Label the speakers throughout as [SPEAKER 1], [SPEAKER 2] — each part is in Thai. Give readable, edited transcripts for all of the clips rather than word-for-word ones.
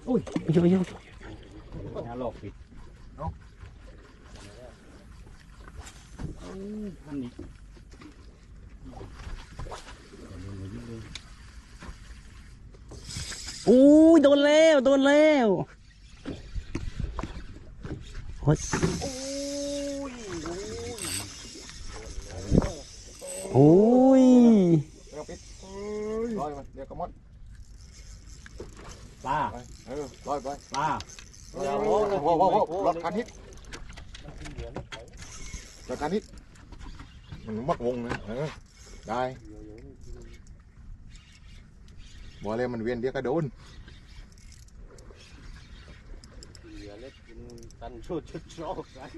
[SPEAKER 1] อุ้ยโยโย่ยาหลอกปิดเนาะอันนี้อู้ยโดนแล้วโดนแล้วโอ้ยโอ้ย
[SPEAKER 2] เดี๋ยวปิดลอยมาเดี๋ยวก็มด
[SPEAKER 1] ปลา
[SPEAKER 2] ลอยไป
[SPEAKER 1] ปลา
[SPEAKER 2] โอ้โหรถคันฮิตรถคันฮิตมันมัดวงนะได้บอกเลยมันเวียนเดียวก็โดน
[SPEAKER 3] ตันชุดชอบกัน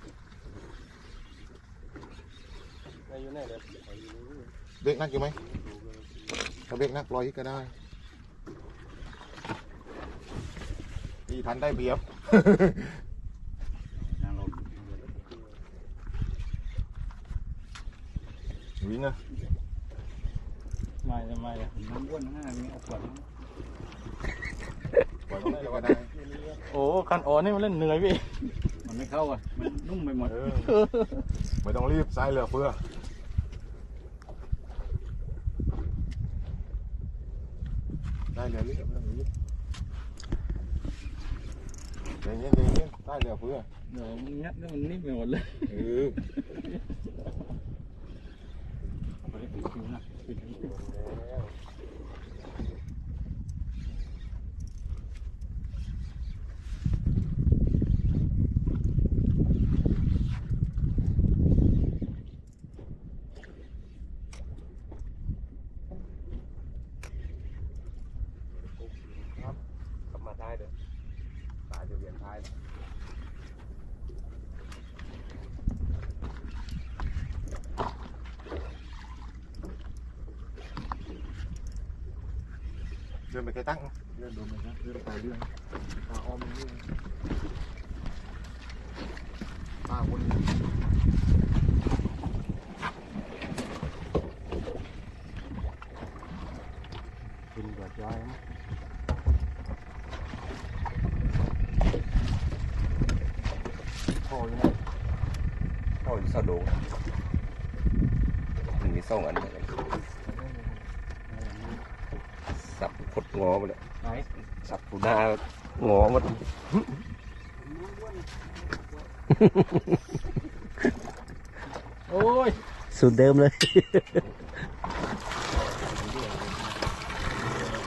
[SPEAKER 3] อยู่ไหนเลย
[SPEAKER 2] เบรกนักอยู่ไหมถ้าเบรกนักลอยก็ได้ที่ทันได้เปรียบวิ่งอ่ะ
[SPEAKER 1] ไม่น้ำอ้วนห้านี่เอาขวด
[SPEAKER 2] ก็ได้
[SPEAKER 1] โอ้คันอ่อนนี่มันเล่นเหนื่อยพี่มันไม่เข้าอ่ะมันนุ่มไปหมด
[SPEAKER 2] ไม่ต้องรีบสายเหลือเฟือได้เหลือรีบใจเย็นได้เหลือเฟือ
[SPEAKER 1] เดี๋ยวมันงัดแล้วมันนิ่มไปหมดเลยไปปิดคิวนะปิดคิว
[SPEAKER 3] ได้เด้อตายจะเวียนท้าย
[SPEAKER 2] เดินไปใกล้ตั้งเดินไปนะเดินไปเรื่องตาอ้อมเรื่องตาวน
[SPEAKER 3] กินกว่าจ้อย
[SPEAKER 2] พ่อยังไง
[SPEAKER 3] พ่ออยู่ซาโดมันมี2 อันเลยสับพดงอไปเลยสับปูนางอหมด
[SPEAKER 1] โอ้ย
[SPEAKER 4] สูตรเดิมเลย